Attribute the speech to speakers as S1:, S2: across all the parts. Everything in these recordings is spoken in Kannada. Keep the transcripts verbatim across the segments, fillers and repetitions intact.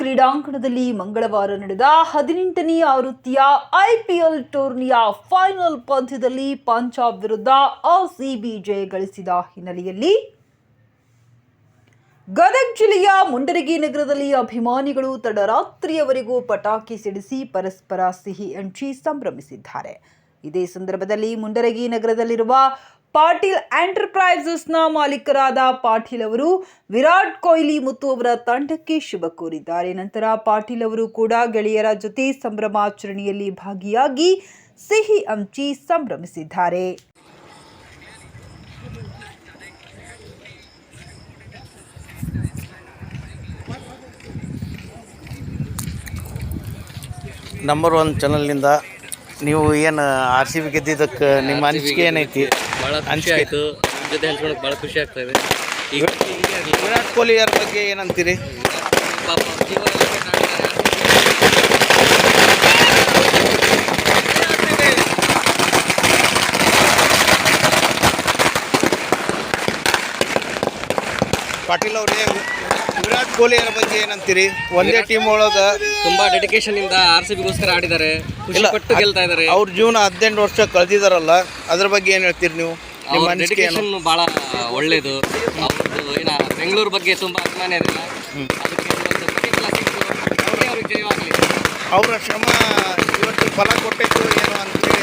S1: ಕ್ರೀಡಾಂಗಣದಲ್ಲಿ ಮಂಗಳವಾರ ನಡೆದ ಹದಿನೆಂಟನೇ ಆವೃತ್ತಿಯ ಐಪಿಎಲ್ ಟೂರ್ನಿಯ ಫೈನಲ್ ಪಂದ್ಯದಲ್ಲಿ ಪಂಜಾಬ್ ವಿರುದ್ಧ ಆರ್ಸಿಬಿ ಜಯ ಗಳಿಸಿದ ಹಿನ್ನೆಲೆಯಲ್ಲಿ ಗದಗ ಜಿಲ್ಲೆಯ ಮುಂಡರಗಿ ನಗರದಲ್ಲಿ ಅಭಿಮಾನಿಗಳು ತಡರಾತ್ರಿಯವರೆಗೂ ಪಟಾಕಿ ಸಿಡಿಸಿ ಪರಸ್ಪರ ಸಿಹಿ ಹಂಚಿ ಸಂಭ್ರಮಿಸಿದ್ದಾರೆ. ಇದೇ ಸಂದರ್ಭದಲ್ಲಿ ಮುಂಡರಗಿ ನಗರದಲ್ಲಿರುವ ಪಾಟೀಲ್ ಎಂಟರ್ಪ್ರೈಸಸ್ನ ಮಾಲೀಕರಾದ ಪಾಟೀಲ್ ಅವರು ವಿರಾಟ್ ಕೊಹ್ಲಿ ಮತ್ತು ಅವರ ತಂಡಕ್ಕೆ ಶುಭ ಕೋರಿದ್ದಾರೆ. ನಂತರ ಪಾಟೀಲ್ ಅವರು ಕೂಡ ಗೆಳೆಯರ ಜೊತೆ ಸಂಭ್ರಮಾಚರಣೆಯಲ್ಲಿ ಭಾಗಿಯಾಗಿ ಸಿಹಿ ಹಂಚಿ ಸಂಭ್ರಮಿಸಿದ್ದಾರೆ.
S2: ನಂಬರ್ ಒನ್ ಚಾನಲ್ನಿಂದ ನೀವು ಏನು ಆರ್ ಸಿ ಬಿ ಗೆದ್ದಿದ್ದಕ್ಕೆ ನಿಮ್ಮ ಅನಿಸಿಕೆ ಏನೈತಿ?
S3: ಭಾಳ ಖುಷಿ ಆಯಿತು. ನಿಮ್ಮ ಜೊತೆ ಹಂಚ್ಕೊಳಕ್ಕೆ ಭಾಳ ಖುಷಿ ಆಗ್ತಾ ಇದೆ. ಈಗ
S2: ವಿರಾಟ್ ಕೊಹ್ಲಿ ಅವ್ರ ಬಗ್ಗೆ ಏನಂತೀರಿ?
S3: ಪಾಪ
S2: ಪಾಟೀಲ್ ಅವರೇ, ವಿರಾಟ್ ಕೊಹ್ಲಿ ಅವ್ರ ಬಗ್ಗೆ ಏನಂತೀರಿ? ಒಂದೇ ಟೀಮ್ ಒಳಗೆ
S3: ತುಂಬಾ ಡೆಡಿಕೇಶನ್ ಇಂದ ಆರ್ ಸಿ ಬಿಗೋಸ್ಕರ ಆಡಿದ್ದಾರೆ, ಖುಷಿ ಪಟ್ಟು ಗೆಲ್ತಾ ಇದ್ದಾರೆ.
S2: ಅವ್ರ ಜೀವನ ಹದಿನೆಂಟು ವರ್ಷ ಕಳೆದಿದಾರಲ್ಲ, ಅದ್ರ ಬಗ್ಗೆ ಏನು ಹೇಳ್ತೀರಿ ನೀವು? ನಿಮ್ಮ ಅನಿಸಿಕೆ ಏನು?
S3: ಡೆಡಿಕೇಶನ್ ಭಾಳ ಒಳ್ಳೇದು. ಅವ್ರದ್ದು ಏನ ಬೆಂಗಳೂರು ಬಗ್ಗೆ ತುಂಬ ಅಭಿಮಾನ ಇದೆ. ಅದಕ್ಕೆ ಇವತ್ತು ಪ್ರತಿಫಲ ಸಿಕ್ತು. ಅವರೇ ಅವ್ರಿಗೆ ಜಯವಾಗಲಿ.
S2: ಅವರ ಶ್ರಮ ಇವತ್ತು ಫಲ ಕೊಟ್ಟಿತ್ತು ಏನು ಅಂತೇಳಿ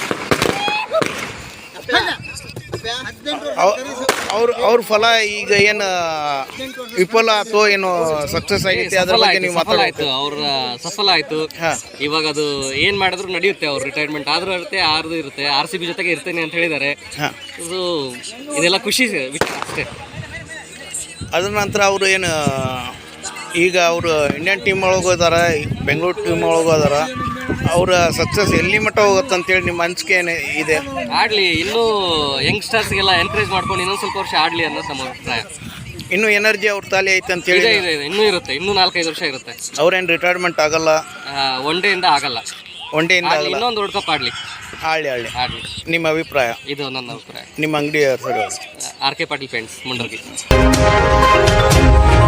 S2: ಅವ್ರ ಅವ್ರ ಫಲ ಈಗ ಏನು ವಿಫಲ ಆಯ್ತು ಏನು ಸಕ್ಸಸ್ ಆಗೈತೆ ಅದ್ರ ಬಗ್ಗೆ ನೀವು
S3: ಆಯ್ತು. ಅವ್ರ ಸಫಲ ಆಯ್ತು. ಇವಾಗ ಅದು ಏನ್ ಮಾಡಿದ್ರು ನಡೆಯುತ್ತೆ. ಅವ್ರು ರಿಟೈರ್ಮೆಂಟ್ ಆದ್ರೂ ಇರುತ್ತೆ, ಆರ್ದು ಇರುತ್ತೆ. ಆರ್ ಸಿ ಬಿ ಜೊತೆಗೆ ಇರ್ತೇನೆ ಅಂತ ಹೇಳಿದ್ದಾರೆ. ಇದು ಇದೆಲ್ಲ ಖುಷಿ ವಿಚಾರ ಅಷ್ಟೇ.
S2: ಅದ್ರ ನಂತರ ಅವರು ಏನು ಈಗ ಅವರು ಇಂಡಿಯನ್ ಟೀಮ್ ಒಳಗೆ ಹೋದಾರ, ಬೆಂಗಳೂರು ಟೀಮ್ ಒಳಗೆ ಹೋದಾರ. ಅವರ ಸಕ್ಸಸ್ ಎಲ್ಲಿ ಮಟ್ಟ ಹೋಗುತ್ತೆ ಅಂತೇಳಿ ನಿಮ್ಮ ಅನಿಸಿಕೆ ಏನು ಇದೆ?
S3: ಆಡಲಿ, ಇನ್ನೂ ಯಂಗ್ಸ್ಟರ್ಸ್ಗೆಲ್ಲ ಎನ್ಕರೇಜ್ ಮಾಡ್ಕೊಂಡು ಇನ್ನೊಂದು ಸ್ವಲ್ಪ ವರ್ಷ ಆಡಲಿ ಅನ್ನೋದು ನಮ್ಮ ಅಭಿಪ್ರಾಯ.
S2: ಇನ್ನೂ ಎನರ್ಜಿ ಅವ್ರ ತಾಲಿ ಐತೆ ಅಂತೇಳಿ
S3: ಇದೆ ಇದೆ ಇನ್ನೂ ಇರುತ್ತೆ. ಇನ್ನೂ ನಾಲ್ಕೈದು ವರ್ಷ ಇರುತ್ತೆ.
S2: ಅವ್ರೇನು ರಿಟೈರ್ಮೆಂಟ್ ಆಗಲ್ಲ?
S3: ಒನ್ ಡೇಯಿಂದ ಆಗಲ್ಲ.
S2: ಒನ್ ಡೇಯಿಂದ ಆಗಲ್ಲ.
S3: ಇನ್ನೊಂದು ವರ್ಲ್ಡ್ ಕಪ್ ಆಡಲಿ.
S2: ಆಡಲಿ ಆಡಲಿ
S3: ಆಡಲಿ
S2: ನಿಮ್ಮ ಅಭಿಪ್ರಾಯ?
S3: ಇದು ನನ್ನ ಅಭಿಪ್ರಾಯ.
S2: ನಿಮ್ಮ ಅಂಗಡಿ
S3: R K Patil paints, Mundargi.